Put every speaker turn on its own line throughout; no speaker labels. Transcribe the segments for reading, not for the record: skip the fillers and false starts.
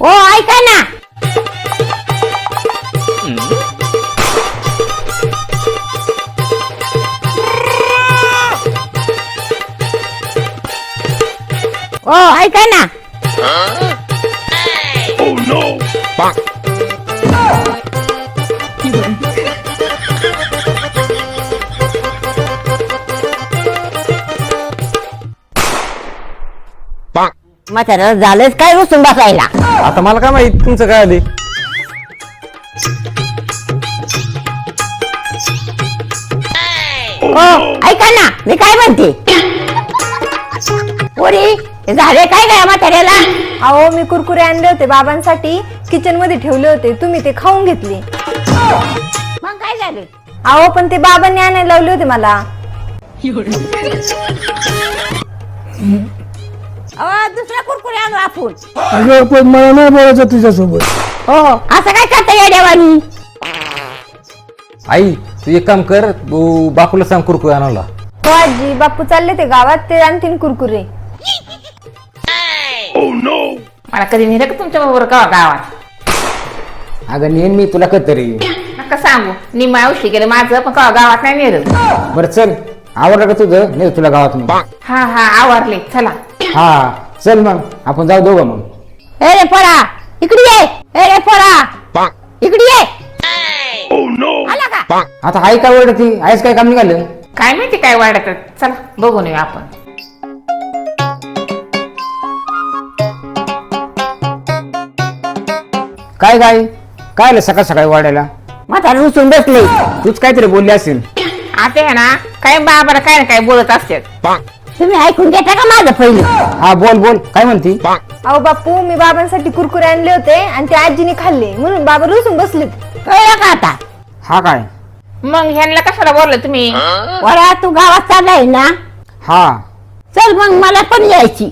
हो ऐका ना. हो ऐका ना. म्हाताऱ्याला झालंच काय रुसून बसायला.
आता मला काय माहित तुमचं काय आले.
हो ऐका ना मी काय म्हणते. पोरी झाले काय काय म्हाताऱ्याला.
अहो मी कुरकुरे आणले होते बाबांसाठी, किचन मध्ये ठेवले होते, तुम्ही ते खाऊन घेतले.
मग काय झालं.
अहो पण ते बाबांनी आणायला लावले होते मला.
दुसरा कुरकुरे आणू आपण.
अगं पण मला नाही बोलायचं तुझ्यासोबत.
हो असं काय करता या देवानी.
आई तू एक काम कर, तू बापूला सांग कुरकुरे आणायला.
हो आजी, बापू चालले ते गावात, ते आणतील कुरकुरे.
मला कधी नेलं का तुमच्या बरोबर का गावात.
अगं नेन मी तुला कधीतरी.
नका सांगू निम्मा औषधी गेलं माझं, पण का गावात नाही नेलं.
बरं चल, आवडलं का तुझं नाही तुला गावात मी.
हा हा आवरले चला.
हा चल मग आपण जाऊ दोघं मग.
ए रे पोरा इकडे ये. ए रे पोरा इकडे ये. आला का.
आता आई काय ओरडती, आईच काय काम निघालं.
काय माहिती काय वाढत. चला बघून येऊ आपण.
काय काय काय आलं सकाळ सकाळी वाढायला.
म्हातारा रुसून बसले.
तूच काहीतरी बोलली असेल.
आता आहे ना काय बाबाला काय ना काय बोलत असतात.
तुम्ही ऐकून घेता का माझं पहिलं.
हा बोल बोल काय म्हणती.
अहो बापू मी बाबांसाठी कुरकुरे आणले होते आणि ते आजीने खाल्ले, म्हणून बाबा रुसून बसलेत.
कळलं का आता.
हा काय.
मग ह्यांना कशाला बोललं तुम्ही.
पोरा तू गावात चाललाय ना.
हा
चल मग मला पण यायची.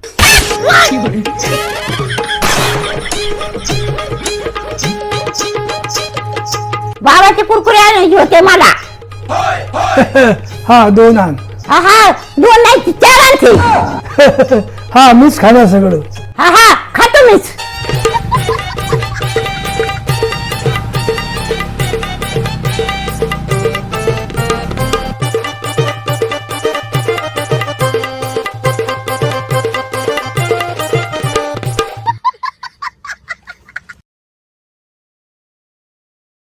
बाबाचे कुरकुरे आणायचे होते मला.
हा 2 आण.
हा हा 2 नाही 4 आणते.
हा मीच खाणार सगळं.
हा हा खातो मीच.